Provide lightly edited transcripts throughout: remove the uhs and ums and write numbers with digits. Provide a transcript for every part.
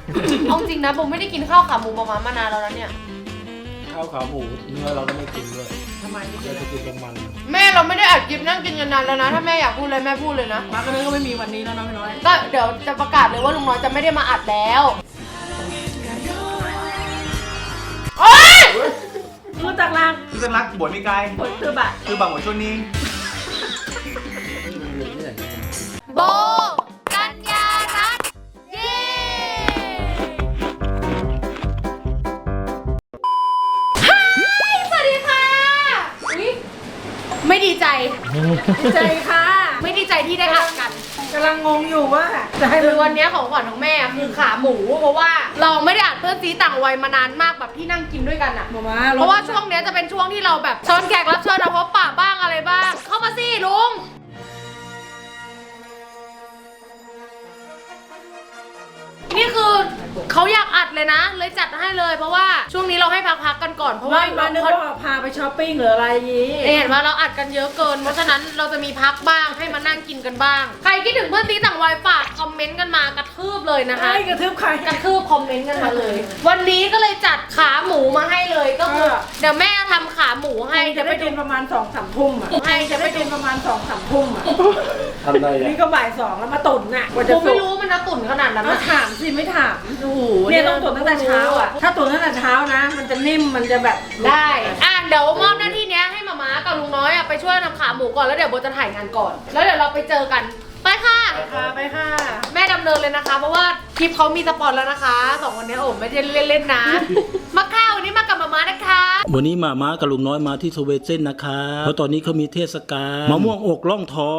เอาจริงนะผมไม่ได้กินข้าวขาหมูมามานานแล้วนะเนี่ยข้าวขาหมูเนื้อเราก็ไม่กินด้วยทำไมไม่กิเรานจะกินตรงมันแม่เราไม่ได้อัดคลิปนั่งกินกันนานแล้วนะถ้าแม่อยากพูดเลยแม่พูดเลยนะมาก็นึกว่าไม่มีวันนี้แล้วนะพี่น้อยก็เดี๋ยวจะประกาศเลยว่าลุงน้อยจะไม่ได้มาอัดแล้วโอ๊ยรู้จักลางคือสัญลักษณ์บทมีกายผลคือบัตรคือบางหัวช่วงนี้โบกัญญารัตน์เย้ฮายสวัสดีค่ะอุ๊ยไม่ดีใจดีใจค่ะไม่ดีใจที่ได้อัดกันกำลังงงอยู่ว่าจะให้คือวันนี้ของขวัญของแม่คือขาหมูเพราะว่าเราไม่ได้อัดเพื่อนซีต่างวัยมานานมากแบบที่นั่งกินด้วยกันอะมาเพราะว่าช่วงเนี้ยจะเป็นช่วงที่เราแบบเชิญแขกรับเชิญนะพบปะบ้างอะไรบ้าง เข้ามาสิลุงนี่คือเขาอยากอัดเลยนะ เลยจัดให้เลยเพราะว่าช่วงนี้เราให้พักๆกันก่อนเพราะว่ามานึกว่าพาไปช้อปปิ้งหรืออะไรอย่างงี้เห็นว่าเราอัดกันเยอะเกินเพราะฉะนั้นเราจะมีพักบ้างให้มานั่งกินกันบ้างใครคิดถึงเพื่อนซีต่างวัยฝากคอมเมนต์กันมากระทืบเลยนะคะไอ้กระทืบใครกระทืบคอมเมนต์กันมาเลย วันนี้ก็เลยจัดขาหมูมาให้เลยก็คือเดี๋ยวแม่ทำขาหมูให้จะไปกินประมาณ2-3 ทุ่มอ่ะจะไปกินประมาณ2-3 ทุ่มอ่ะทำได้ยังนี่ก็บ่าย 2แล้วมาตุ่นน่ะกว่าจะผมไม่รู้มันจะตุ่นขนาดนั้นมานะถามสิไม่ถามโอ้โหเนี่ยต้องตุ่นตั้งแต่เช้าอ่ะถ้าตุ่นตั้งแต่เช้านะ มันจะนิ่มมันจะแบบได้เดี๋ยวมอบหน้าที่เนี้ยให้มาม่ากับลุงน้อยไปช่วยทำขาหมูก่อนแล้วเดี๋ยวโบจะถ่ายงานก่อน แล้วเดี๋ยวเราไปเจอกันไปค่ะไปค่ะแม่ดำเนินเลยนะคะ เพราะว่าคลิปเขามีสปอนแล้วนะคะสองคนนี้โอ้ไม่ได้เล่นๆนะ มาข้าววันนี้มากับมาม่านะคะวันนี้มาม้ากับลุงน้อยมาที่สเวเซนนะคะเพราะตอนนี้เขามีเทศกาลมะม่วงอกล่องทอง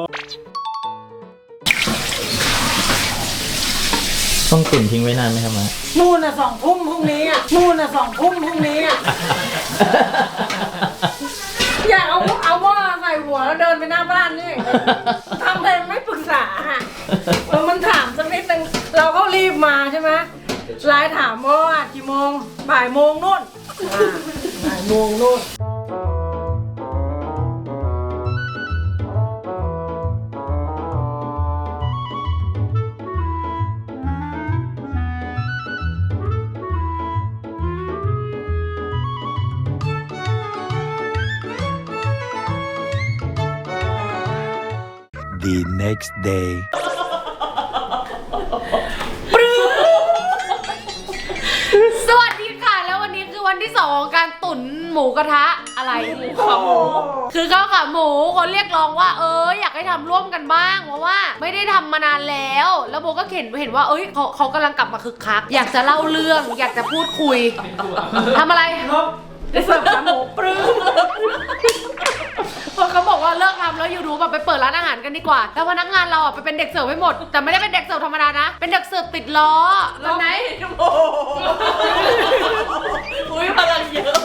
ต้องตุ๋นทิ้งไว้นานไหมครับมานู่นน่ะ2 ทุ่มพรุ่งนี้อ่ะนู่นน่ะ2 ทุ่มพรุ่งนี้อ่ะอยากเอาหม้อใส่หัวแล้วเดินไปหน้าบ้านนี่ทำเลยไม่ปรึกษาแล้วมันถามสักนิดนึงเราก็รีบมาใช่ไหมไลน์ถามว่ากี่โมงบ่ายโมงนู่นบ่ายโมงนู่น The next day สวัสดีค่ะแล้ววันนี้คือวันที่2ของการตุ๋นหมูกระทะอะไรขาหมูคือข้าวขาหมูคนเรียกร้องว่าอยากให้ทำร่วมกันบ้างเพราะว่าไม่ได้ทำมานานแล้วโบก็เห็นว่าเขากำลังกลับมาคึกคักอยากจะเล่าเรื่องอยากจะพูดคุยทำอะไรได้เสิร์ฟขาหมูปรื้มเพราะเขาบอกว่าเลิกทำแล้วยูทูบแบบไปเปิดร้านอาหารกันดีกว่าแล้วพนักงานเราไปเป็นเด็กเสิร์ฟให้หมดแต่ไม่ได้เป็นเด็กเสิร์ฟธรรมดานะเป็นเด็กเสิร์ฟติดล้อแบบไหนอุ้ยพลังเยอะ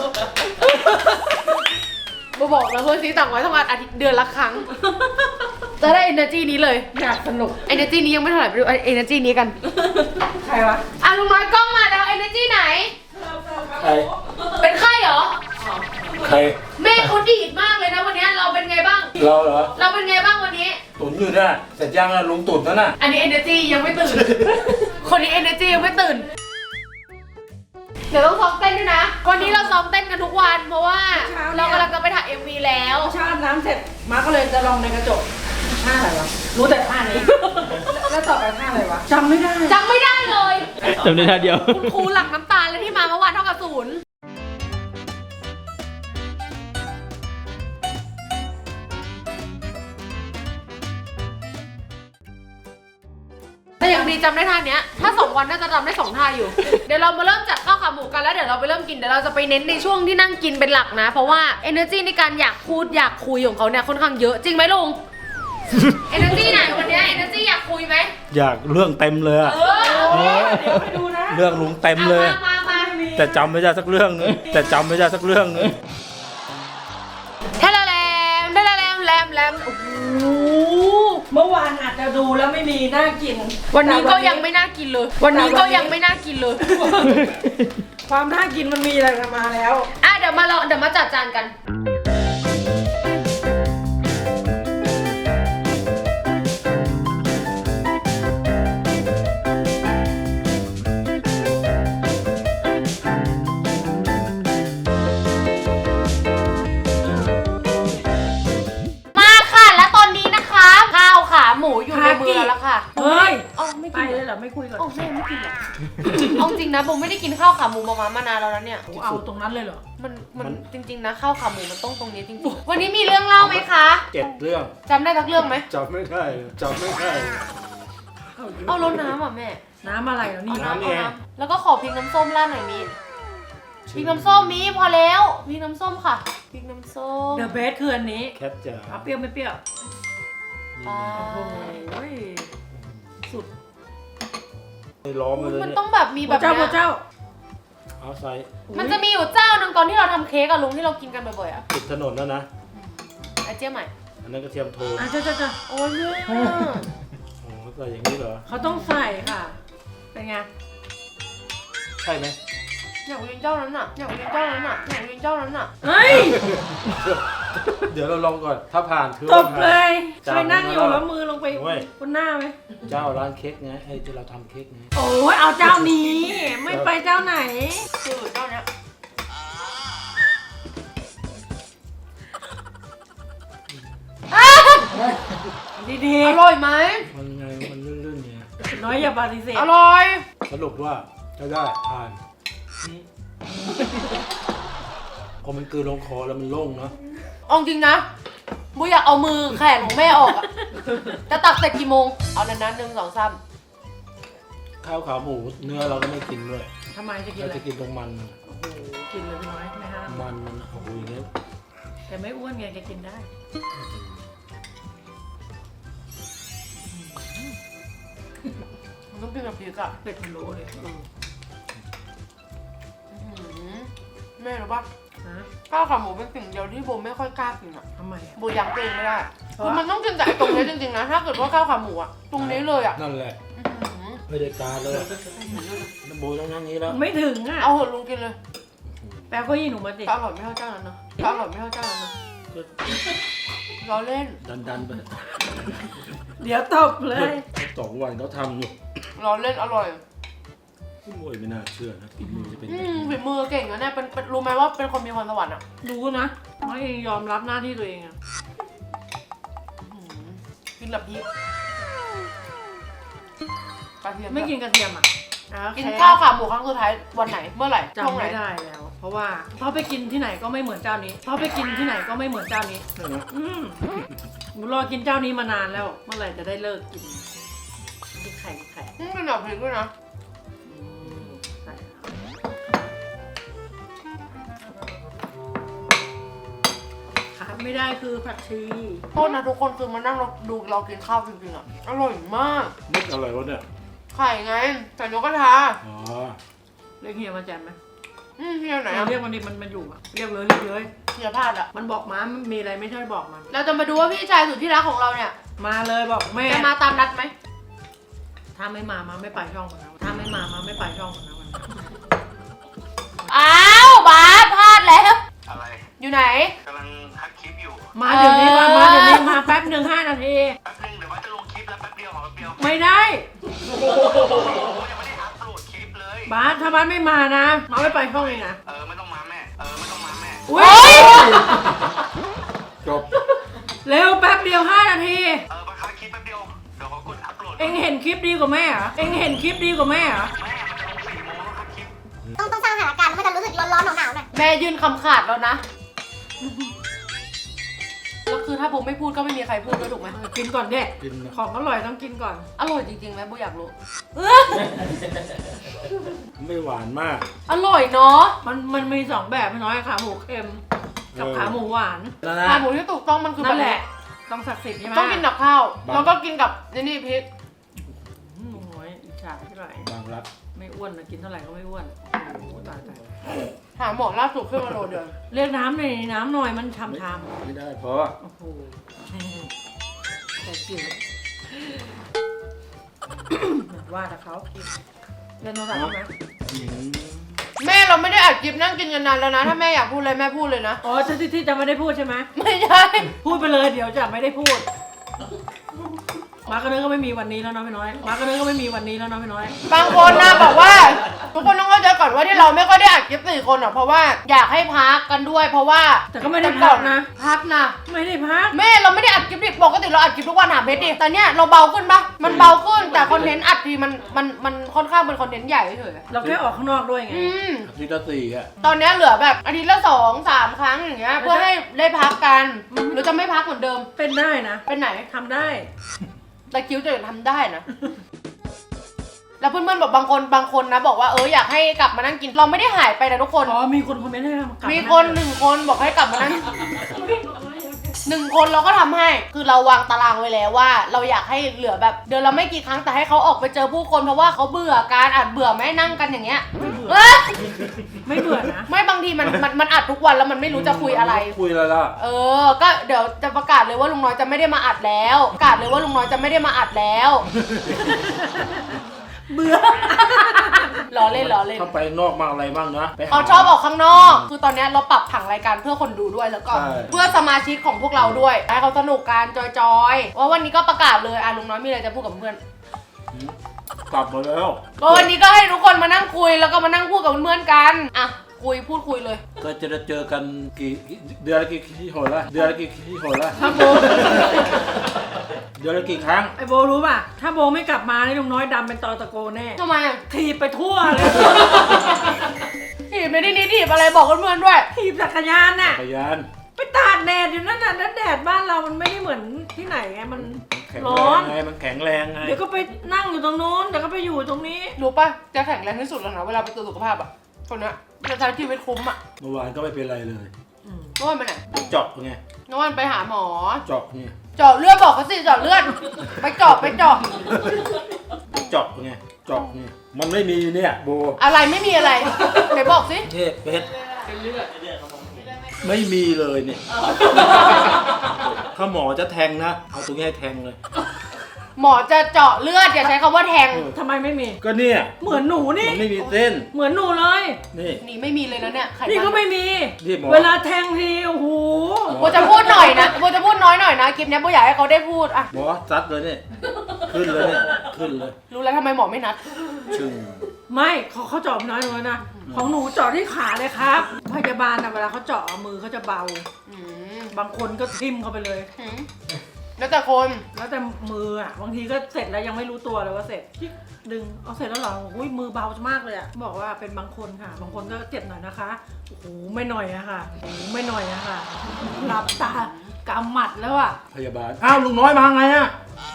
โบบอกแล้วเพื่อนซีต่างไว้ทำงานอาทิตย์เดือนละครั้งจะได้ energy นี้เลยอยากสนุก energy นี้ยังไม่เท่าไหร่ไปดู energy นี้กันใครวะลุงน้อยกล้องมาแล้ว energy ไหนใครเป็นไข้เหรอใครแม่เขาดีดมากเลยนะวันนี้เราเป็นไงบ้างเราเหรอเราเป็นไงบ้างวันนี้ตุนอยู่น่ะเสร็จยังนะลุงตุนแล้วน่ะอันนี้ energy ยังไม่ตื่น คนนี้ energy ยังไม่ตื่น เดี๋ยวต้องซ้อมเต้นด้วยนะ วันนี้เราซ้อมเต้นกันทุกวันเพราะว่าเรากำลังจะไปถ่าย MV แล้วชาอาบน้ำเสร็จมาก็เลยจะลองในกระจกท่าอะไรวะรู้แต่ท่านี้ แล้วต่อไปท่าอะไรวะจำไม่ได้จำไม่ได้เลยจำได้ท่าเดียวคุณครูหลังน้ำตาลเลยที่มาเมื่อวานเท่ากับ0แต่อย่างดีจำได้ท่าเนี้ย ถ้า2 วันน่าจะจำได้2 ท่าอยู่ เดี๋ยวเรามาเริ่มจัดข้าวขาหมูกันแล้วเดี๋ยวเราไปเริ่มกินเดี๋ยวเราจะไปเน้นในช่วงที่นั่งกินเป็นหลักนะ เพราะว่า energy ในการอยากพูดอยากคุยของเขาเนี่ยค่อนข้างเยอะจริงไหมลุง energy ไหนวันเนี้ย energy อยากคุยไหมอยากเรื่องเต็มเลยอะเดี๋ยวไปดูนะเรื่องลุงเต็มเลยมาแต่จำไม่ได้สักเรื่องนึงแต่จำไม่ได้สักเรื่องนึงแทละแลมแลมโอ้โหเมื่อวานอาจจะดูแล้วไม่มีน่ากินวันนี้ก็ยังไม่น่ากินเลย วันนี้ก็ยังไม่น่ากินเลยความน่ากินมันมีอะไรมาแล้วเดี๋ยวมาจัดจานกันค่ะเฮ้ยเอ้าไม่ไปกินเลยเหรอไม่คุยก่อนเอ้าแม่ไม่กินเหรอเอาจริงนะผมไม่ได้กินข้าวขาหมูมานานแล้วนะเนี่ยเอาตรงนั้นเลยเหรอมันจริงๆนะข้าวขาหมูมันต้องตรงนี้จริงๆวันนี้มีเรื่องเล่าไหมคะ 7 เรื่องจำได้ทักเรื่องไหมจำไม่ได้จำไม่ได้เอารดน้ำอ่ะแม่น้ำอะไรเหรอนี่น้ำนี่ไงแล้วก็ขอพริกน้ำส้มราดหน่อยมีพริกน้ำส้มมีพอแล้วพริกน้ำส้มค่ะพริกน้ำส้มเดอะเบสคืออันนี้แคทจ๋าเอาเปรี้ยวไม่เปรี้ยวอ่าโอ้ยสุดไปล้อมมาเลยมันเนี่ยต้องแบบมีแบบเจ้าเนี้ยเจ้าเอาใส่มันจะมีอยู่เจ้าหนึ่งตอนที่เราทำเค้กอะลุงที่เรากินกันบ่อยๆอะติดถนนแล้วนะไอเจี๊ยบใหม่อันนั้นกระเทียมโทนอ่ะเจ้าโอ้ยแม่อ๋อใส่อย่างนี้เหรอเขาต้องใส่ค่ะ เป็นไงใช่ไหมอยากกินเจ้านั้นอะอยากกินเจ้านั้นอะอยากกินเจ้านั้นอะเฮ้ยเดี๋ยวเราลองก่อน ถ้าผ่านคือตว่าบผ่านเลยจ้าเคยนั่งอยู่แล้วมือลงไปโอ้ยบนหน้าไหมเจ้าร้านเค้กไงไอ้ที่เราทำเค้กไงโอ้ยเอาเจ้านี้ ไม่ไปเจ้าไหนคือเจ้าเนี้ยดีอร่อยไหมมันไงมันลื่นๆเนี่ยๆน้อยอย่าปฏิเสธอร่อยสรุปว่าจะได้ผ่านพอมันกลืนลงคอแล้วมันโล่งเนาะเอาจริงนะบูอยากเอามือแขนของแม่ออกอะจะตักเสร็จกี่โมง เอานานๆ1 2 3 ข้าวขาหมูเนื้อเราก็ไม่กินด้วยทำไมจะกินเราอะไรจะกินตรงมันมันโอ้โหกินเลยพี่น้อยไม่ห้ามมันโอ้โหอย่างเงี้ยแกไม่อ้วนไงแกกินได้มันต้องกินกับพริกอะเป็ดพะโล้เลยแม่รู้ปะฮะข้าวขาหมูเป็นสิ่งเดียวที่โบไม่ค่อยกล้ากินอะทำไมอะโบยังตัวเองไม่ได้คือมันต้องกินแต่ไอ้ตรงนี้จริงๆนะ ถ้าเกิดว่าข้าวขาหมูอะตรงนี้เลยอะนั่นแหละ ไม่ได้การเลยน้ำโบต้องนั่งนี้แล้วไม่ถึงอ่ะเอาเหอะลุงกินเลยแปลก็ยี่หนูมาสิแต่อร่อยไม่เท่าเจ้านั้นนะแต่อร่อยไม่เท่าเจ้านั้นนะล้อเล่นดันไปเดี๋ยวตบเลย 2 วันเขาทำอยู่ล้อเล่นอร่อยโอ้ยไม่น่าเชื่อนะฝีมือจะเป็นแบบฝีมือเก่งนะเนี่ยเป็นรู้ไหมว่าเป็นคนมีพรสวรรค์อะรู้นะน้อยเองยอมรับหน้าที่ตัวเองอะกินแบบพริกกระเทียมไม่กินกระเทียมอ่ะกินข้าวขาหมูครั้งสุดท้ายวันไหนเมื่อไหร่ช่วงจำไหนไม่ได้แล้ว เพราะว่าไปกินที่ไหนก็ไม่เหมือนเจ้านี้ไปกินที่ไหนก็ไม่เหมือนเจ้านี้นั่นนะหนูรอกินเจ้านี้มานานแล้ว เมื่อไหร่จะได้เลิกกินกินไข่เป็นแบบพริกด้วยนะใส่ขาดไม่ได้คือผักชีโทษนะทุกคนคือมานั่งดูเรากินข้าวจริงๆอะอร่อยมากนึกอะไรวะเนี่ยไข่ไงไข่นกกระทาอ๋อเรียกเฮียมาแจมไหมเฮียไหนอะเรียกวันนี้มันอยู่อะเรียกเลยเฮียพลาดอะมันบอกมามันมีอะไรไม่ใช่บอกมันเราจะมาดูว่าพี่ชายสุดที่รักของเราเนี่ยมาเลยบอกแม่จะมาตามนัดไหมถ้าไม่มาไม่ไปช่องมันนะถ้าไม่มาไม่ไปช่องมันนะวันนี้อ้าวบาสพลาดแล้วอะไรอยู่ไหนกำลังทักคลิปอยู่มาเดี๋ยวนี้มาเดี๋ยวนี้มาแป๊บหนึ่ง5 นาทีแป๊บนึงเดี๋ยวว่าจะลงคลิปแล้วแป๊บเดียวขอแป๊บเดียวไม่ได้ยังไม่ได้อัพโหลดคลิปเลยบาสถ้าบาสไม่มานะมาไม่ไปช่องเลยนะไม่ต้องมาแม่ไม่ต้องมาแม่อุ้ยจบเร็วแป๊บเดียว5 นาทีมาคัดคลิปแป๊บเดียวเดี๋ยวขอกดอัพโหลดเอ็งเห็นคลิปดีกว่าแม่เหรอเอ็งเห็นคลิปดีกว่าแม่เหรอแม่มันจะลง4 โมงแล้วคัดคลิปต้องสร้างสถานการณ์ให้มันจะรู้สึกร้อนๆหนาวๆหน่อยแม่ยื่นคำขาดแล้วนะ แล้วคือถ้าโบไม่พูดก็ไม่มีใครพูดด้วยถูกไหมกินก่อนเด็กกินนะของอร่อยต้องกินก่อนอร่อยจริงๆไหมโบอยากรู้ไม่หวานมากอร่อยเนาะมันมี2แบบไม่น้อยขาหมูเค็มกับขาหมูหวานแล้วนะขาหมูที่ถูกต้องมันคือนั่นแบบแหนี้ละต้องศักดิ์สิทธิ์ใช่ไหมต้องกินกับข้าว แล้วก็กินกับนี่พริกโอ้ยอิจฉาที่ไหนบางรักไม่อ้วนนะกินเท่าไหร่ก็ไม่อ้วนโอ้โหตายหาหมอล่าสุดขึ้นมาโลเดียวเรียกน้ำหน่อยน้ำหน่อยมันชำไม่ได้เพราะโอ้โหแต่กินว่าแต่เขาเล่นโทรศัพท์ไหมแม่เราไม่ได้อัดคลิปนั่งกินกันนานแล้วนะ ถ้าแม่อยากพูดอะไรแม่พูดเลยนะอ๋อที่จะไม่ได้พูดใช่ไหมไม่ใช่พูดไปเลยเดี๋ยวจะไม่ได้พูด มาร์กเนื้อก็ไม่มีวันนี้แล้วเนาะพี่น้อย มาร์กเนื้อก็ไม่มีวันนี้แล้วเนาะพี่น้อยบางคนนะบอกว่า ทุกคนต้องเข้าใจก่อนว่าที่เราไม่ค่อยได้อัดคลิป4 คนอ่ะเพราะว่าอยากให้พักกันด้วย เพราะว่าแต่ก็ไม่ได้พักนะพักนะไม่ได้พักแม่เราไม่ได้อัดคลิปดิปกติเราอัดคลิปทุกวันหาเพชรดิแต่เนี่ยเราเบาขึ้นปะมันเบาขึ้นแต่คอนเทนต์อัดทีมันค่อนข้างเป็นคอนเทนต์ใหญ่เฉยเราแค่ออกข้างนอกด้วยไงอาทิตย์ละ4อ่ะตอนเนี้ยเหลือแบบอาทิตย์ละ2-3 ครั้งอย่างเงี้ยเพื่อให้ได้พักกันหรือจะไม่พักเหมือนเดิมเป็นได้นะเป็นไหนทำได้แต่คิ้วจะทำได้นะ แล้วเพื่อนๆบอกบางคนนะบอกว่าอยากให้กลับมานั่งกินเราไม่ได้หายไปนะทุกคนอ๋อมีคนคอมเมนต์ให้เรากลับมีคน1 คนบอกให้กลับมานั่ง 1 คนเราก็ทำให้ คือเราวางตารางไว้แล้วว่า เราอยากให้เหลือแบบเดือนละไม่กี่ครั้งแต่ให้เขาออกไปเจอผู้คนเพราะว่าเขาเบื่อการอัดเบื่อไหมนั่งกันอย่างเงี้ยไม่เบื่อนะไม่บางทีมันอัดทุกวันแล้วมันไม่รู้จะคุยอะไรคุยอะไรล่ะก็เดี๋ยวจะประกาศเลยว่าลุงน้อยจะไม่ได้มาอัดแล้วประกาศเลยว่าลุงน้อยจะไม่ได้มาอัดแล้วเบื่อล้อเล่นถ้าไปนอกมาอะไรบ้างนะไปหเขาชอบออกข้างนอก คือตอนเนี้ยเราปรับผังรายการเพื่อคนดูด้วยแล้วก็ใช่เพื่อสมาชิกของพวกเราด้วยให้เขาสนุกกันจอยๆว่าวันนี้ก็ประกาศเลยลุงน้อยมีอะไรจะพูดกับเพื่อนกลับมาแล้วก็วันนี้ก็ให้ทุกคนมานั่งคุยแล้วก็มานั่งพูดกับเพื่อนๆกันพูดคุยเลยก็จะได้เจอกันเดือนละกี่หนละเดือนละกี่หนละถ้าโบเดือนละกี่ครั้งไอโบรู้ป่ะ ถ้าโบไม่กลับมานี่ลุงน้อยดำเป็นตอตะโกแน่ทำไมอะถีบไปทั่วเลยถีบไม่ได้นี่ถีบอะไรบอกเพื่อนๆด้วยถีบจักรยานน่ะจักรยานไปตากแดดอยู่นั่นน่ะแล้วแดดบ้านเรามันไม่ได้เหมือนที่ไหนไง มันแข็งร้แรอง นไงมันแข็งแรงไงเดี๋ยวก็ไปนั่งอยู่ตรงนู้น เดี๋ยวก็ไปอยู่ตรงนี้รู้ป่ะจะแข็งแรงที่สุดแล้วนะเวลาไปตรวจสุขภาพอะคนเนี้ยจะใช้ชีวิตคุ้มอะเมื่อวานก็ไม่เป็นไรเลยเมื่อวานไปไหนเจาะไงเมื่อวานไปหาหมอเจาะไงเจาะเลือดบอกเขาสิเจาะเลือด ไปเจาะเจาะไงเจาะไงมันไม่มีเนี่ยโบอะไรไม่มีอะไรไหนบอกสิเทพเพชรไม่มีเลยเนี่ยถ้าหมอจะแทงนะเอาตรงนี้ให้แทงเลยหมอจะเจาะเลือดอย่าใช้คำว่าแทงทำไมไม่มีก็เนี่ยเหมือนหนูนี่มันไม่มีเส้นเหมือนหนูเลยนี่นี่ไม่มีเลยนะเนี่ยไขนี่ก็มันไม่มีนี่หมอเวลาแทงทีโอ้โหโบจะพูดหน่อยนะโบจะพูดน้อยหน่อยนะคลิปเนี้ยโบอยากให้เขาได้พูดอะหมอซัดเลยเนี่ยขึ้นเลยเนี่ยขึ้นเลยรู้แล้วทำไมหมอไม่นัดชึ่งไม่เขาเจาะน้อยหนูนะ ของหนูเจาะที่ขาเลยครับ พยาบาลนะเวลาเขาเจาะมือเขาจะเบาอืมบางคนก็ทิ่มเข้าไปเลยหืมแล้วแต่คนแล้วแต่มืออ่ะ บางทีก็เสร็จแล้วยังไม่รู้ตัวเลยว่าเสร็จดึงเอาเสร็จแล้วเหรออุ้ยมือเบามากเลยอ่ะบอกว่าเป็นบางคนค่ะ บางคนก็เจ็บหน่อยนะคะโอ้โหไม่หน่อยอะค่ะโอ้โหไม่หน่อยอะค่ะหลับตากำหมัดแล้วอ่ะพยาบาลอ้าวลุงน้อยมาไงอะ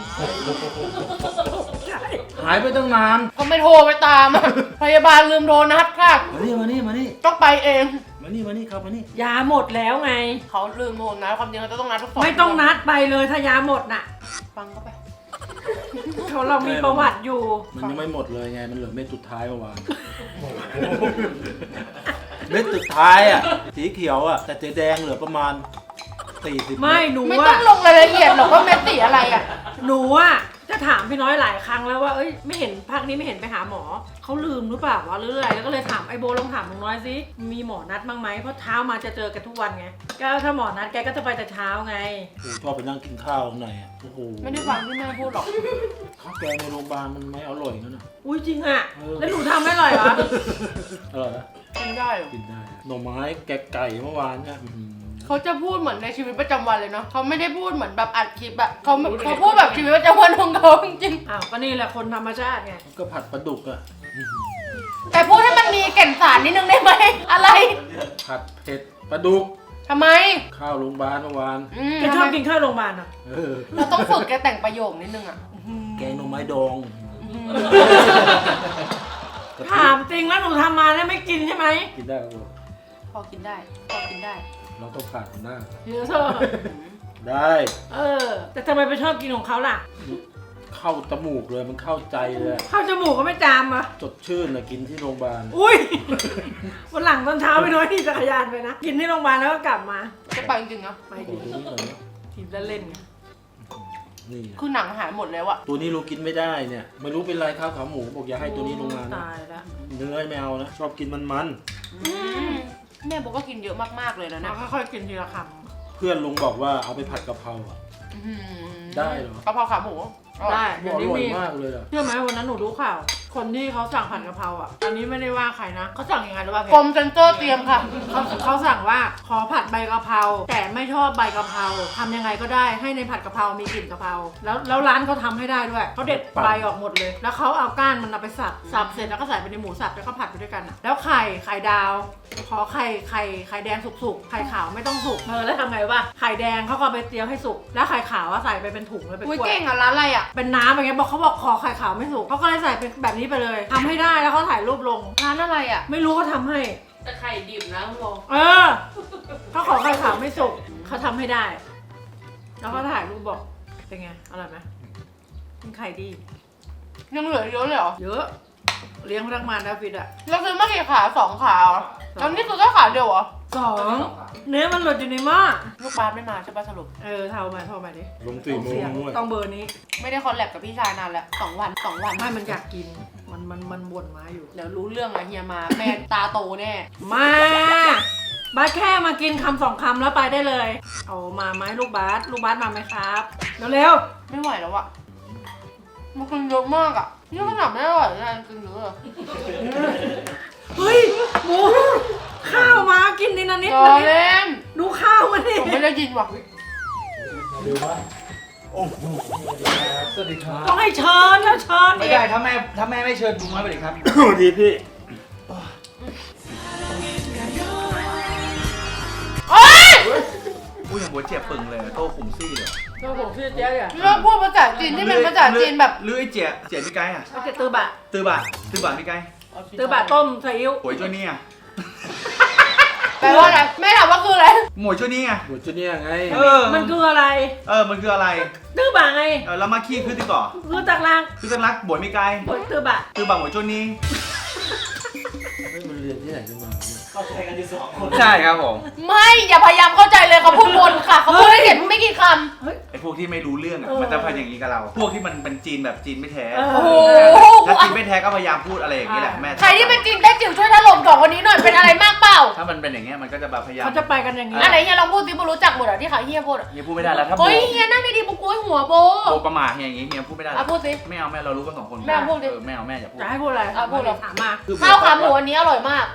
หายไปตั้งนานก็ไม่โทรไปตามอะพยาบาลลืมโทรนัดค่ะมานี่มานี่ต้องไปเองมานี่ครับมานี่ยาหมดแล้วไงเขาลืมโทรนะความจริงเขาจะต้องนัดทุก2 ไม่ต้องนัดไปเลยถ้ายาหมดน่ะฟังเขาไปเรามีประวัติอยู่มันยังไม่หมดเลยไงมันเหลือเม็ดสุดท้ายเมื่อวานเม็ดสุดท้ายอะสีเขียวอะแต่สีแดงเหลือประมาณ40 ไม่หนูไม่ต้ออะงลงรายละเอียดหรอกว่าเม็ดสีอะไรอ่ะหนูอะจะถามพี่น้อยหลายครั้งแล้วว่าเอ้ยไม่เห็นภาคนี้ไม่เห็นไปหาหมอเขาลืมหรือเปล่าวะหรืออะไรแล้วก็เลยถามไอโบลองถามลุงน้อยสิมีหมอนัดบ้างไหมเพราะเช้ามาจะเจอกันทุกวันไงก็ถ้าหมอนัดแกก็จะไปแต่เช้าไงโอ้ชอบไปนั่งกินข้าวข้างในอะโอ้โหไม่ได้ฟังที่แม่พูดหรอกข้าวแกงในโรงพยาบาลมันไม่อร่อยงั้นอะอุ้ยจริงอะเออแล้วหนูทำไม่อร่อยเหรออร่อยนะกินได้เหรอกินได้หน่อไม้แกงไก่เมื่อวานเนี่ยอื้อหือเขาจะพูดเหมือนในชีวิตประจำวันเลยเนาะเขาไม่ได้พูดเหมือนแบบอัดคลิปอะเขาพูดแบบชีวิตประจำวันของเขาจริงอ้าวก็นี่แหละคนธรรมชาติไงก็ผัดปลาดุกอะๆแต่พูดให้มันมีแก่นสารนิดนึงได้ไหมอะไรผัดเผ็ดปลาดุกทำไมข้าวโรงพยาบาลเมื่อวานแกชอบกินข้าวโรงพยาบาลเหรอเออเราต้องฝึกแกแต่งประโยคนิดนึงอะแกงหน่อไม้ดองถามจริงแล้วหนูทำมาแล้วไม่กินใช่ไหมกินได้ครับผมพอกินได้พอกินได้เราต้องผ่านมันได้เยอะเถอะได้แต่ทำไมไปชอบกินของเขาล่ะเข้าจมูกเลยมันเข้าใจเลยอะข้าวจมูกก็ไม่จามอ่ะสดชื่นนะกินที่โรงพยาบาลอุ้ย วันหลังตอนเช้าไปน้อยที่จักรยานไปนะ กินที่โรงพยาบาลแล้วก็กลับมาจะไปจริงๆนะไปโอ้ดิโหตัวนี้หน่อยนะกินเล่นๆไงนี่คือหนังหายหมดแล้วอะตัวนี้เรากินไม่ได้เนี่ยไม่รู้เป็นไรข้าวขาหมูบอกอย่าให้ตัวนี้ลงมานะตายแล้วเนื้อไม่เอานะชอบกินมันแม่บอกก็กินเยอะมากๆเลยนะเราเนี่ยค่อยๆกินทีละคๆเพื่อนลุงบอกว่าเอาไปผัดกะเพราอะอื้อหือได้เหรอกะเพราขาหมูได้อเดี๋ยวนี้ร่อยมีมากเลยอ่ะเชื่อไหมวันนั้นหนูดูข่าว คนที่เขาสั่งผัดกะเพราอ่ะ อันนี้ไม่ได้ว่าใครนะเขาสั่งยังไงรู้ป่ะกรมเซนเตอร์เตรียมค่ะเขาสั่งว่าขอผัดใบกะเพราแต่ไม่ชอบใบกะเพราทำยังไงก็ได้ให้ในผัดกะเพรามีกลิ่นกะเพราแล้วร้านเขาทำให้ได้ด้วยเขาเด็ดใบออกหมดเลย แล้วเขาเอาก้านมันเอาไปสับเสร็จแล้วก็ใส่ไปในหมูสับแล้วก็ผัดไปด้วยกันอ่ะแล้วไข่ดาวขอไข่แดงสุกๆไข่ขาวไม่ต้องสุกแล้วทำไงวะไข่แดงเขาก็เอาไปเจียวให้สุกแล้วไข่ขาวอะใส่ไปเป็นถุงเลยเป็นอุ้ยขวดเก่งอ่ะร้านอะไรอ่ะเป็นน้ำอย่างเงี้ยบอกเขาบอกขอไข่ขาวไม่สุกเขาก็เลยใส่เป็นแบบนี้ไปเลยทำให้ได้แล้วเขาถ่ายรูปลงร้านอะไรอ่ะไม่รู้เขาทำให้แต่ไข่ดิบนะคุณโบเขาขอไข่ขาวไม่สุกเขาทำให้ได้ แล้วเขาถ่ายรูปบอกเป็นไงอร่อยไหมเป็นไข่ดียังเหลือเยอะเลยเหรอเยอะเลี้ยงพนักงานดาวิดอ่ะเราซื้อมากี่ขา2 ขาเหรอตอนนี้คือแค่ขาเดียวเหรอเนื้อมันหลุดอยู่ในหม้อลูกบาสไม่มาใช่ป่ะสรุปโทรมาดิลง4 โมเสีงยงด้วยต้องเบอร์นี้ไม่ได้คอลแลบกับพี่ชายนานแล้ว2 วันไม่มันอยากกินมันบ่นมาอยู่เดี๋ยวรู้เรื่องอะเฮียมาแม่ตาโตแน่มาบาสแค่มากินคำ2 คำแล้วไปได้เลยเอามาไหมลูกบาสมาไหมครับเร็วไม่ไหวแล้วอะมันกินเยอะมากอะนี่ขนาดไม่อร่อยนะกินเยอะอะๆเฮ้ยหมูข้าวมากินนิดนะนิดรอนะนิดเล่นดูข้าวมาดิผมไม่ได้ยินว่ะเร็วมากโอ้โหสวัสดีครับต้องให้เชิญแล้วเชิญไม่อีกได้ถ้าแม่ไม่เชิญลุงน้อยไปเลยครับสวัสดีพี่อุ้ยอย่างบัวเจ็บปึงเลยโต้ขุมซี่เลยเราผมชื่อเจ๊เนี่ยเลิกพูดภาษาจีนที่เป็นภาษาจีนแบบหรือไอ้เจี๊ยพี่ไก่อะเขาจะตือบะตือบะพี่ไก่ตือบะต้มซีอิ๊วหวยจ้วยนี่อะแปลว่าอะไรแม่ถามว่าคืออะไรหมวยจ้วยนี่อะหัวจุเนี่ยไงมันคืออะไรมันคืออะไรตือบะไงแล้วมาขี้คือติก่อคือตักลางคือตั้งรักบวยไม่ไกลบนตือบะตือบะหมวยจ้วยนี่ไม่มันเรียนที่ไหนกันมาเนี่ยใช่ครับผมไม่อย่าพยายามเข้าใจเลยเขาพูดวนค่ะเขาพูดไม่เห็นไม่กี่คไอ้พวกที่ไม่รู้เรื่องอะมันจะพยายามอย่างนี้กับเรา พวกที่มันเป็นจีนแบบจีนไม่แท้ำโอ้โหถ้าจีนไม่แท้ก็พยายามพูดอะไรอย่างนี้แหละแม่ใครที่เป็นจีนแต้จิ๋วช่วยถล่ม2 คนนี้หน่อยเป็นอะไรมากเปล่าถ้ามันเป็นอย่างเงี้ยมันก็จะแบบพยายามเขาจะไปกันอย่างนี้อันไหนเฮียลองพูดสิโบรู้จักหมดเหรอที่เขาเฮียพูดอะเฮียพูดไม่ได้แล้วถ้าโบเฮ้ยเฮียนั่งดีๆโบกล้วยหัวโบประมาทเฮียอย่างงี้เฮียพูดไม่ได้อ่ะพูดสิไม่เอาแม่เรารู้กัน2 คนแม่พูดดิไม่เอาแม่อย่าพูดจะให้พูดอะไรพูดเหรอถามมาข้าวขาหมูอันนี้อร่อยมาก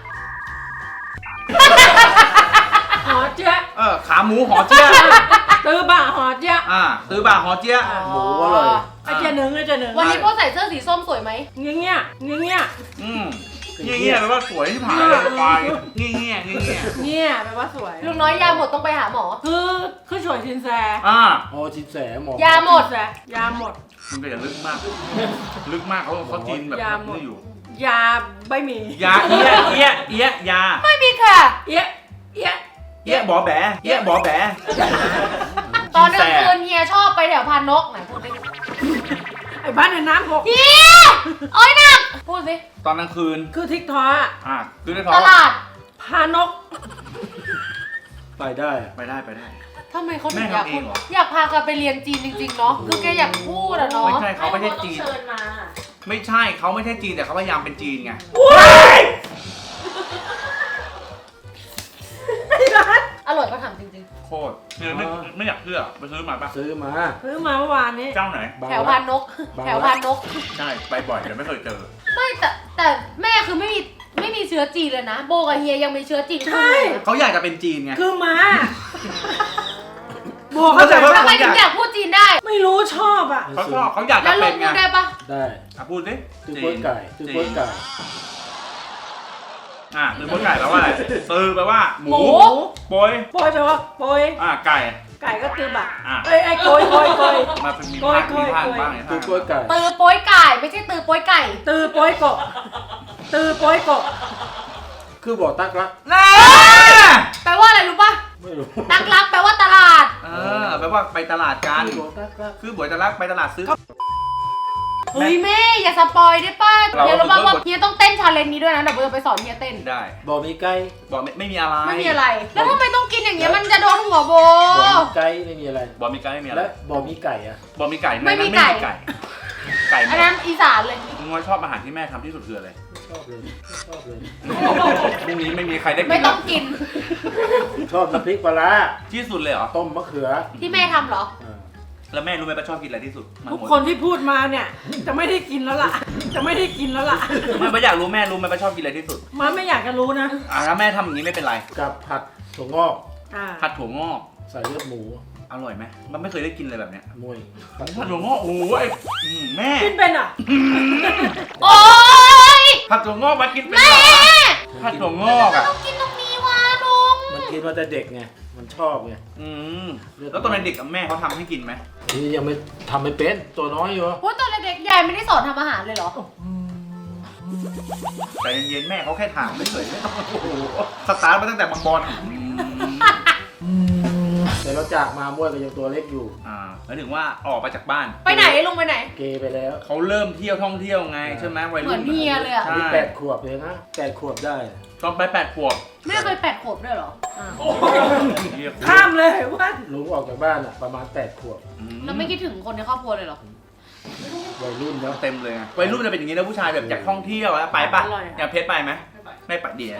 หอเจ๊ยะขาหมูหอเจี๊ยะตือบะหอเจ๊ยะตือบะหอเจี๊ยะหมูอร่อยไอเจ๊หนึ่งไอเจ๊หนึ่งวันนี้โบใส่เสื้อสีส้มสวยไหมเงี้ยเงี้ยเงี้ยเงี้ยเงี้ยแปลว่าสวยที่ผ่านเลยไปเงี้ยเนี่ยแปลว่าสวยลุงน้อยยาหมดต้องไปหาหมอคือช่วยชินแซอ๋อจินแสหมอยาหมดแซยาหมดมันก็อย่าลึกมาก ลึกมากเขาจีนแบบยาหมดนี่อยู่ยาไม่มียาเอี้ยยาไม่มีค่ะเอี้ยเอี้ยเอี้ยบอแบเอี้ยบอแบตอนกลางคืนเฮียชอบไปแถวพานนกไหนพูดดิไอ้บ้านในน้ำหกเฮียโอ้ยหนักพูดสิตอนกลางคืนคือทิกทอคือในท้อตงลาดพานกไปได้อะไปได้ทำไมเขาถึงแม่อยากทำเอพูงดเหรออยากพากันไปเรียนจีนจริงๆเนาะคือแกอยากพูดอะเนาะไม่ใช่เขาไม่ใช่จีนเชิญมาไม่ใช่เขาไม่ใช่จีนแต่เขาพยายามเป็นจีนไงอร่อยก็ถามจริงโคตรเนี่ยไม่อยากเชื่อไปซื้อมาปะซื้อมาซื้อมาเมื่อวานนี้เจ้าไหนๆ แถวพานนก แถวพานนกใช่ไปบ่อยแต่ไม่เคยเจอไม่แต่แม่คือไม่มีเชื้อจีนเลยนะโบกับเฮียยังมีเชื้อจีนใช่เขาอยากจะเป็นจีนไงคือม้าบอกเขาใจเข้าใจทำว่าไมถึงอยากพูดจีนได้ไม่รู้ชอบอ่ะเขาชอบเขาอยากแล้จะวลุเป็งนไงพูดได้ปะได้พูดสิตื้อโป๊ยไก่ตื้อโป๊ยไก่ตือโป๊ยไก่แปลว่าอะไรตือแปลว่าหมูโป๊ยโปยแปลว่าโปยไก่ไก่ก็ตือบะอ่ะเอ้ยไอ้โกยโกยโกยมาเป็นมีโกยภาคโกยบ้างไงตื้อโป๊ยไก่ตือโป้ยไก่ไม่ใช่ตือโป้ยไก่ตือโปยโกะตือโปยโกะคือบอกตักรักน่าแปลว่าอะไรรู้ปะไม่รู้ตักลักแปลว่าตลาดแปลว่าไปตลาดกันคือบอกตักรักคือบ่อยจะรักไปตลาดซื้อเฮ้ยแม่อย่าสปอยได้ป่ะเราเฮียรู้ป่ะฝึกว่าฝึกเฮียต้องเต้นชาเลนจ์นี้ด้วยนะเดี๋ยวโบจะไปสอนเฮียเต้นได้บอกมีไก่บอกไม่มีอะไรไม่มีอะไร แล้วทำไมต้องกินอย่างเงี้ยมันจะโดนหัวโบบอกมีไก่ไม่มีอะไรบอกมีไก่ไม่มีอะไรและบอกมีไก่อะบอกมีไก่ในไม่นั้นมีไม่ไก่มีไก่ ไก่หมอันดนั้นอีสานเลยมึงว่าชอบอาหารที่แม่ทำที่สุดคืออะไรไม่ชอบเลยไม่ชอบเลยพรุ่งนี้ไม่มีใครได้กินไม่ต้องกินชอบน้ำพริกปลาร้าที่สุดเลยเหรอต้มมะเขือที่แม่ทำเหรออ่าแล้วแม่รู้ไหมป้าชอบกินอะไรที่สุดมันทุกหมดคนที่พูดมาเนี่ย จะไม่ได้กินแล้วล่ะ จะไม่ได้กินแล้วล่ะไม่ป้าอยากรู้แม่รู้ไหมป้าชอบกินอะไรที่สุดมันไม่อยากจะรู้นะถ้าแม่ทำอย่างนี้ไม่เป็นไรกับผัดถั่วงอกผัดถั่วงอกใส่เลือดหมูอร่อยไหมมันไม่เคยได้กินเลยแบบเนี้ยมวยผัดถั่วงอกโอ้ยแม่กินเป็นอ่ะโอ๊ยผัดถั่วงอกมากินเป็นเหรอผัดถั่วงอกอ่ะต้องกินตรงนี้วะลุงมันกินมาแต่เด็กไงมันชอบไงแล้วตอนเด็กกับแม่เขาทำให้กินไหมนี่ยังไม่ทำไม่เป็นตัวน้อยอยู่โอ้ยตอนเด็กๆยายไม่ได้สอนทำอาหารเลยเหรอแต่เย็นๆแม่เขาแค่ถามไม่เคยไม่ต้องโอ้โหสตาร์ทมาตั้งแต่บางบอลแต่เราจากมามวยก็ยังตัวเล็กอยู่หมายถึงว่าออกไปจากบ้านไปไหนลุงไปไหนเกย์ไปแล้วเขาเริ่มเที่ยวท่องเที่ยวไงใช่ไหมวัยเหมืรุ่อน นเฮียเลยอะใช่นี่8 ขวบเลยนะ8 ขวบได้ตอนไป8 ขวบแม่เคย8 ขวบด้วยเหรอข้ามเลยว่าลุงออกจากบ้านอ่ะประมาณ8 ขวบแล้วไม่คิดถึงคนในครอบครัวเลยเหรอวัยรุ่นเนาะเต็มเลยไงวัยรุ่นจะเป็นอย่างนี้นะผู้ชายแบบอยากท่องเที่ยวแล้วไปปะอย่างเพชรไปไหมไม่ไปเดียว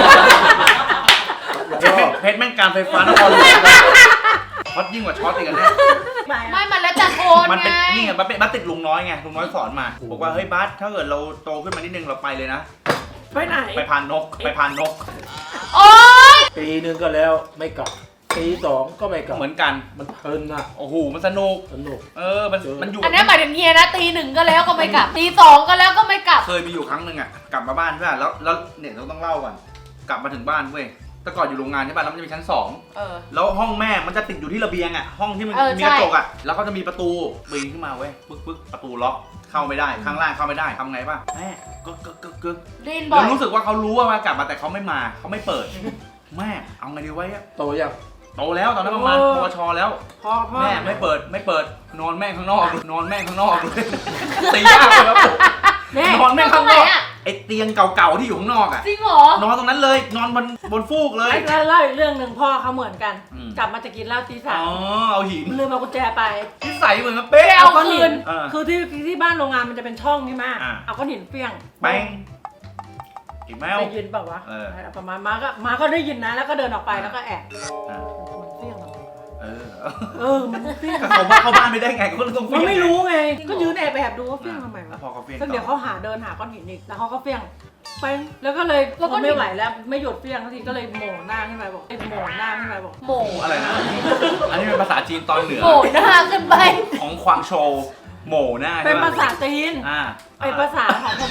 เพชรแม่งการไฟฟ้านครหลวงช็อตยิ่งกว่าช็อตอีกอันเนี่ยไม่มันแล้วแต่คนมันไงเป็นนี่ไงมันเป็นบัสติดลุงน้อยไงลุงน้อยสอนมาบอกว่าเฮ้ยบัสถ้าเกิดเราโตขึ้นมานิดนึงเราไปเลยนะไปไหนไปพานนกไปพานนกโอ๊ยปีหนึงก็แล้วไม่กลับปี2ก็ไม่กลับเหมือนกันมันเพลินอ่ะโอ้โหมันสนุกสนุกมันอยู่อันนี้หมายถึงเฮียนะตี 1ก็แล้วก็ไม่กลับตี 2ก็แล้วก็ไม่กลับเคยมีอยู่ครั้งหนึ่งอ่ะกลับมาบ้านใช่ป่ะแล้วเนี่ยเราต้องเล่าก่อนกลับมาถึงบ้านเว้ยแต่ก่อนอยู่โรงงานใช่ป่ะแล้วมันจะมีชั้น2 เออแล้วห้องแม่มันจะติดอยู่ที่ระเบียงอ่ะห้องที่มันเออมีกระจกใช่อ่ะแล้วเขาจะมีประตูปีนขึ้นมาเว้ยปึ๊กประตูล็อกเข้าไม่ได้ข้างล่างเข้าไม่ได้ทำไงป่ะแม่กึกได้ยินบ่อแล้วยรู้สึกว่าเขารู้ว่ามากลับมาแต่เขาไม่มาเขาไม่เปิด แม่เอาไงดีวะเนี่ยโตยังโตแล้วตอนนั้นประมาณปวชแล้วพ่อแม่ไม่เปิดนอนแม่งข้างนอกนอนแม่งข้างนอกเลยตียากเลยครับผมแม่นอนแม่งข้างนอกตรงไหนอะไอเตียงเก่าๆที่อยู่ข้างนอกอ่ะจริงเหรอนอนตรงนั้นเลยนอนบนฟูกเลยแล้วเล่าอีกเรื่องหนึ่งพ่อเขาเหมือนกันอืมกลับมาจะกินเหล้าตีอ๋ 3 อเอาหินลืมเอากุญแจไปที่ใส่เหมือนกันเป๊ะเอาก้อนหินเออคือที่บ้านโรงงานมันจะเป็นช่องนี่มากอ่าเอาก้อนหินเปี้ยงแป้งอีกแมวได้ยินเปล่าวะเออประมาณมาก็ได้ยินนะ แล้วก็เดินออกไปแล้วก็แอบอ่ะมันเปี้ยงเหรอเออมันเปี้ยงก็เขาเข้าบ้านไม่ได้ไงก็ต้องมันไม่รู้ไงจริงเหรอก็ยืนแอบดูว่าเปี้ยงทำไมแล้ววะพอเขาเฟี้ยงสักเดี๋ยวต่อเขาเดินหาก้อนหินอีกแล้วเขาก็เปี้ยงไปแล้วก็เลยพอไม่ไหวแล้วไม่หยุดเปี้ยงทันทีก็เลยโหม่หน้าขึ้นไปบอกโหมอะไรนะอันนี้เป็นภาษาจีนตอนเหนือโหมหน้าขึ้นไปของควางโชว์โหม่หน้าเป็นใช่ปะภาษาจีนอ่าเป็นภาษาของผม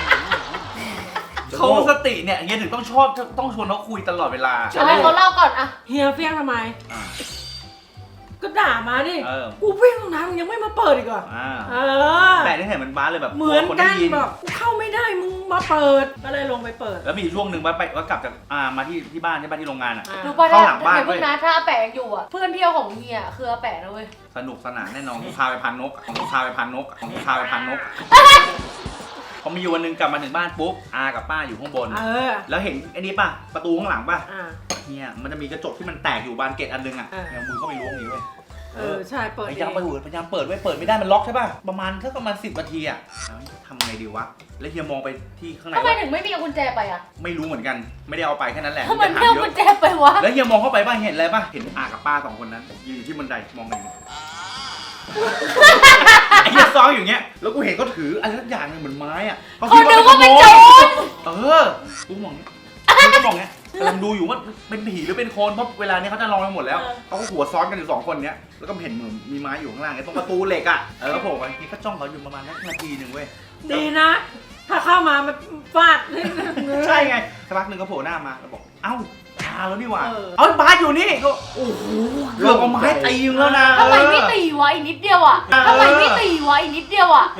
เขาสติเนี่ยเฮียถึงต้องชอบต้องชวนเขาคุยตลอดเวลาเอาให้เขาเล่าก่อนอะเฮียเปี้ยงทำไมอ่าก็ด่ามาดิเออกูเปี้ยงตรงนั้นมึงยังไม่มาเปิดอีกเหรออ่าเออแต่นี่เห็นมันบ้าเลยแบบเหมือนคนกัได้นยินบอกกูเข้าไม่ได้มึงมาเปิดก็เลยลงไปเปิดแล้วมีช่วงหนึ่งว่ากลับจากมาที่บ้านใช่ป่ะที่โรงงานอ่ะรู้ป่ะเข้าหลังบ้านเดี๋ยวเพิ่งนะถ้าอาแปะยังอยู่อะเพื่อนเที่ยวของเฮียคืออาแปะนะเว้ยสนุกสนานแน่นอนพาไปพันนกพาไปพันนกพาไปพันนกพอมีอยู่วันหนึงกลับมาถึงบ้านปุ๊บอากับป้าอยู่ข้างบนเออแล้วเห็นไอ้นี่ป่ะประตูข้างหลังป่ะอ่าเนี่ยมันจะมีกระจกที่มันแตกอยู่บานเกตอันนึงอ่ะอ่าเอามือเข้าไปล้วงอย่างนี้เว้ยใช่เปิดพเอยายามงพยายามเปิดไว้เปิดไม่ได้มันล็อกใช่ป่ะประมาณ10 นาทีอ่ะทำไงดีวะแล้วเฮียมองไปที่ข้างในทำไมว่าถึงไม่มีเอากุญแจไปอะไม่รู้เหมือนกันไม่ได้เอาไปแค่นั้นแหละทำไมจะไม่ถามเอาเยกุอะญแจไปวะแล้วเฮียมองเข้าไปป่ะเห็นอะไรป่ะเห็นอากับป้า2 คนนั้นยืนอยู่ที่บันไดมองอย่างนี้ ไอ้เหี้ยซ้อนอยู่เงี้ยแล้วกูเห็นเขาถืออะไรสักอย่างหนึงเหมือนไม้อ่ะเขานึกว่าเป็นโจรกูมองเงี้ยกูมองเงี้ยกำลังดูอยู่ว่าเป็นผีหรือเป็นคนเพราะเวลานี้เขาจะลองไปหมดแล้วเขาก็หัวซ้อนกันอยู่2 คนเนี้ยแล้วก็เห็นเหมือนมีไม้อยู่ข้างล่างไอ้ตรงประตูเหล็กอ่ะแล้วโผล่ไปนี่ก็จ้องเขาอยู่ประมาณนาทีหนึ่งเว้ยดีนะ ถ้าเข้ามามันฟาดใช่ไงสักพักหนึ่งก็โผล่หน้ามาแล้วบอกเอ้าตาแล้วนี่หว่าเออเอ้าบาสอยู่นี่ก็โอ้โหเกือบเอาไม้ตีมึงแล้วนะทำไมไม่ตีวะอีกนิดเดียวอะทำไมไม่ตีวะอีกนิดเดียวอะ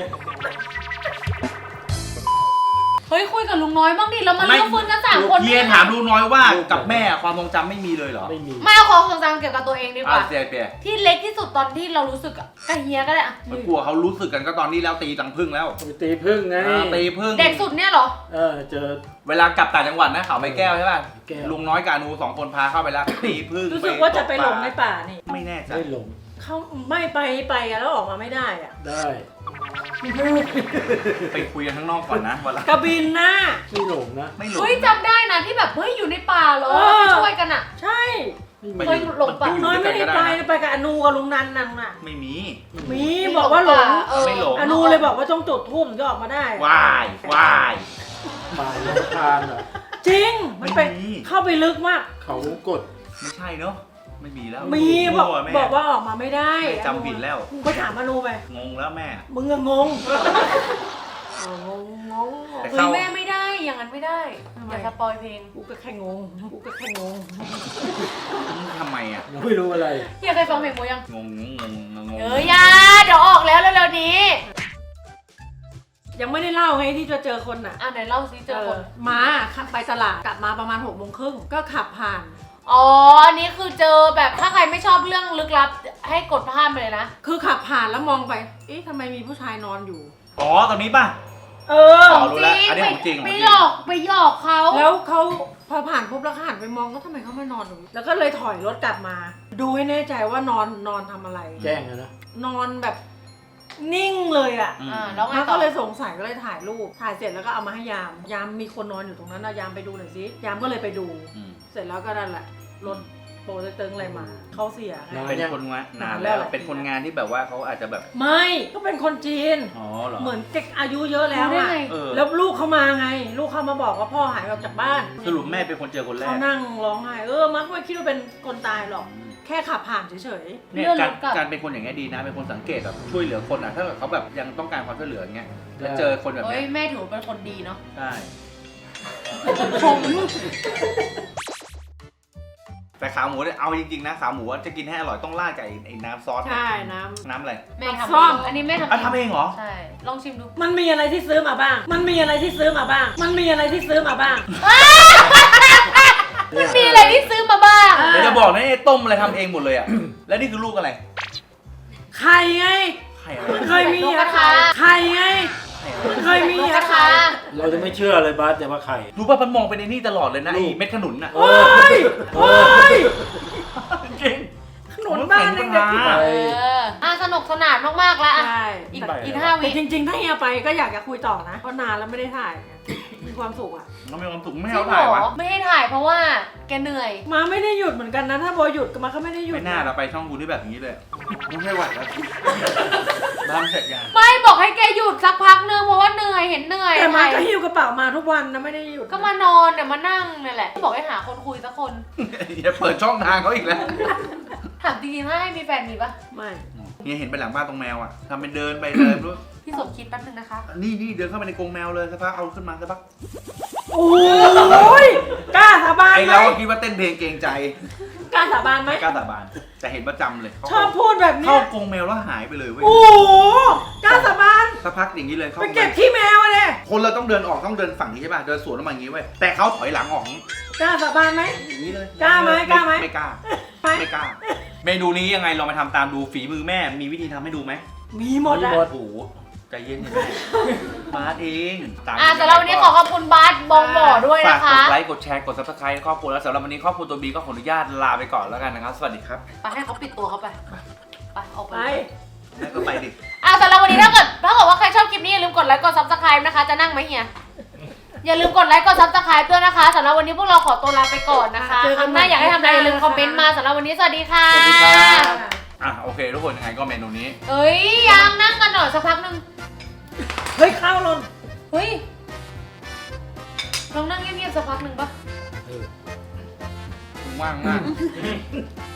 เฮ้ยคุยกับลุงน้อยบ้างดิแล้วมาเลือกฟื้นกัน3 คนเฮียถามลุงน้อยว่ากับแม่ความทรงจำไม่มีเลยเหรอไม่มีมาเอาของทรงจำเกี่ยวกับตัวเองดีกว่าเสียเปียที่เล็กที่สุดตอนที่เรารู้สึกอะกับเฮียก็ได้อะมันกลัวเขารู้สึกกันก็ตอนนี้แล้วตีตังพึ่งแล้วไปตีพึ่งไงตีพึ่งเด็กสุดเนี่ยเหรอเจอเวลากลับต่างจังหวัดนะเขาไม่แก้วใช่ป่ะแก้วลุงน้อยกับอนู2 คนพาเข้าไปแล้วตีพึ่งรู้สึกว่าจะไปหลงในป่านี่ไม่แน่ใจได้หลงเขาไม่ไปอะแล้วออกมาไม่ได้อะได้ไปคุยกันข้างนอกก่อนนะวันละกระบินหน้าไม่หลงนะไม่หลงเฮ้ยจำได้นะที่แบบเฮ้ยอยู่ในป่าเหรอเออไปช่วยกันอะใช่เคยหลงปะน้อยไม่ได้ไปไปกับอนูกับลุงนันนั่นน่ะไม่มีมีบอกว่าหลงเออไม่หลงอนูเลยบอกว่าต้องจุดทูบถึงจะออกมาได้วายวายป่าลำคาญเหรอจริงมันไปไม่มีเข้าไปลึกมากเขากดไม่ใช่เนาะไม่มีแล้วมีบอกมั่วแม่บอกว่าออกมาไม่ได้แม่จำผิดแล้วมึงไปถามอนูไปงงแล้วแม่มึงอะงงงงแต่เฮ้ยแม่ไม่ได้อย่างนั้นไม่ได้ทำไมอย่าสปอยเพลงกูก็แค่งงกูก็แค่งงทำไมอ่ะยังไม่รู้อะไรพี่เคยฟังเพลงโมยังงงเอ้ยอยาเดี๋ยวออกแล้วเร็วๆนี้ยังไม่ได้เล่าไงที่จะเจอคนอ่ะอ่ะไหนเล่าซิเจอคนม้าขับไปตลาดกลับมาประมาณ6:30ก็ขับผ่านอ๋อ อันนี้คือเจอแบบถ้าใครไม่ชอบเรื่องลึกลับให้กดข้ามไปเลยนะคือขับผ่านแล้วมองไป เอ๊ะทำไมมีผู้ชายนอนอยู่อ๋อตอนนี้ป่ะเอออ๋อรู้แล้วอันนี้ของจริงไปหลอกไปหยอกเขาแล้วเขาพอผ่านปุ๊บแล้วก็หันไปมองก็ทำไมเขาไม่นอนตรงนี้แล้วก็เลยถอยรถกลับมา ดูให้แน่ใจว่านอนทำอะไรแจ้งนะนอนแบบนิ่งเลยอ่ะอ่าแล้วไงแล้วต่ก็อเลยสงสัยก็เลยถ่ายรูป ถ่ายเสร็จแล้วก็เอามาให้ยาม ยามมีคนนอนอยู่ตรงนั้นนะยามไปดูหน่อยสิ ยามก็เลยไปดูอืมเสร็จแล้วก็นั่นแหละรถโปรเต็งอะไรมา เขาเสียไงเป็นคนงานนานแล้วเป็นคนงานที่แบบว่าเขาอาจจะแบบไม่ก็เป็นคนจีนอ๋อเหรอเหมือนเด็กอายุเยอะแล้วรู้ได้อะไงเออแล้วลูกเขามาไง ลูกเขามาบอกว่าพ่อหายออกจากบ้านสรุปแม่เป็นคนเจอคนแรเขากนั่งร้องไห้มักไม่คิดว่าเป็นคนตายหรอก แค่ขับผ่านเฉยเนี่ยเลื่อนรการถกลับการเป็นคนอย่างเงี้ยดีนะเป็นคนสังเกตแบบช่วยเหลือคนอ่ะถ้าเกิดเขาแบบยังต้องการความช่วยเหลืออย่างเงี้ยแล้วเจอคนแบบเฮ้เนี้ยยแม่ถือว่าเป็นคนดีเนาะใช่ผมแต่ขาหมูเนี่ยเอาจริงๆนะขาหมูจะกินให้อร่อยต้องราดกับไอ้น้ำซอสๆ ใช่น้น้ำอะไรแม่ทำซ่อมอันนี้แม่ทำอ่ะทำเองเหรอใช่ ลองชิมดูำมันมีอะไรที่ซื้อมาบ้าง มันมีอะไรที่ซื้อมาบ้าง มันมีอะไรที่ซื้อมาบ้างมันมีอะไรที่ซื้อมาบ้างเดี๋ยวจะบอกนะไอ้ต้มอะไรทำเองหมดเลยอ่ะ แล้วนี่คือลูกอะไรไข่ไงไข่อะไรมันเคยมีนกกระทาไข่ไง มันเคยมีนกกระทาเราจะไม่เชื่อเลยบาสแต่ว่าใครรู้ป่ะมันมองเป็นไอ้นี่ตลอดเลยนะลูไอ้กเม็ดขนุนอ่ะโอ้ยโอ้ยจริงขนมบ้านเด็กๆที่ไปสนุกสนานมากๆแล้วอ่ะใช่อีก5 แต่วิจริงๆ ถ้าเฮียไปก็อยากจะคุยต่อนะ เพราะนานแล้วไม่ได้ถ่าย มีความสุขอ่ะเรามีความสุขไม่จให้ริงเขาถ่ายวะเหรอไม่ให้ถ่ายเพราะว่าแกเหนื่อยมาไม่ได้หยุดเหมือนกันนะ ถ้าโบหยุดก็มาก็ไม่ได้หยุดไม่น่าเราไปช่องกูที่แบบนี้เลยไม่ไหวแล้วบ้านเสร็จยังไม่บอกให้แกหยุดสักพักนึงเพราะว่าเหนื่อยเห็นเหนื่อยแต่มาก็ถ่ายหิ้วกระเป๋ามาทุกวันนะไม่ได้หยุดก็มานอนเนี่ยมานั่งเนี่ยแหละบอกให้หาคนคุยสักคนอย่าเปิดช่องทางเขาอีกแล้วถามจริงๆถ้าให้มีแฟนมีปะไม่เนี่ยเห็นไปหลังบ้านตรงแมวอ่ะทำเป็นเดินไปเดินรู้พี่สมคิดแป๊บนึงนะคะนี่เดินเข้าไปในกรงแมวเลยสักพักเอาขึ้นมาสักพักโอ้ยกล้าสาบานไอไหมเราก็คิดว่าเต้นเพลงเกรงใจกล้าสาบานไหมไม่กล้าสาบานแต่เห็นประจำเลยชอบพูดแบบเข้าเนี้ยกรงแมวแล้วหายไปเลยเว้ยโอ้โหกล้าสาบานสักพักอย่างนี้เลยเข้าไปเก็บขี้แมวอะเลยคนเราต้องเดินออกต้องเดินฝั่งนี้ใช่ป่ะเดินสวนออกมาอย่างนี้เว้ยแต่เขาถอยหลังออกกล้าสาบานไหมอย่างนี้เลยกล้าไหมกล้าไหมไม่กล้าไหมไม่กล้า เมนูนี้ยังไงลองไปทำตามดูฝีมือแม่มีวิธีทำให้ดูไหมมีหมดอะมีหมดโอ้โหใจเย็นๆแม่บาสเองตามสำหรับวันนี้ขอขอบคุณบาสบองบ่อด้วยฝากนะกคะดไลค์กดแชร์กด subscribe ครอบครัวแล้วสำหรับวันนี้ครอบครัวตัวบีก็ขออนุญาตลาไปก่อนแล้วกันนะครับสวัสดีครับไปให้เขาปิดตัวเขาไปไปออกไปไปแม่ก็ไปดิสำหรับวันนี้ถ้าเกิดว่าใครชอบคลิปนี้อย่าลืมกดไลค์กด subscribe นะคะจะนั่งไหมเฮียอย่าลืมกดไลค์กด subscribe ด้วยนะคะสำหรับวันนี้พวกเราขอตัวลาไปก่อนนะคะเจอคกัรั้นงใหหม่น้าอยากให้ทำอะไรอย่าลืมคอมเมนต์มาสำหรับวันนี้สวัสดีค่ะสวัสดีครับโอเคทุกคนยังไงก็เมนูนี้เอ้ยยังนั่งกันหน่อยสักพักหนึงเฮ้ยข้าวหล่นเฮ้ยลองนั่งเงียบๆสักพักหนึ่งปะว่างมาก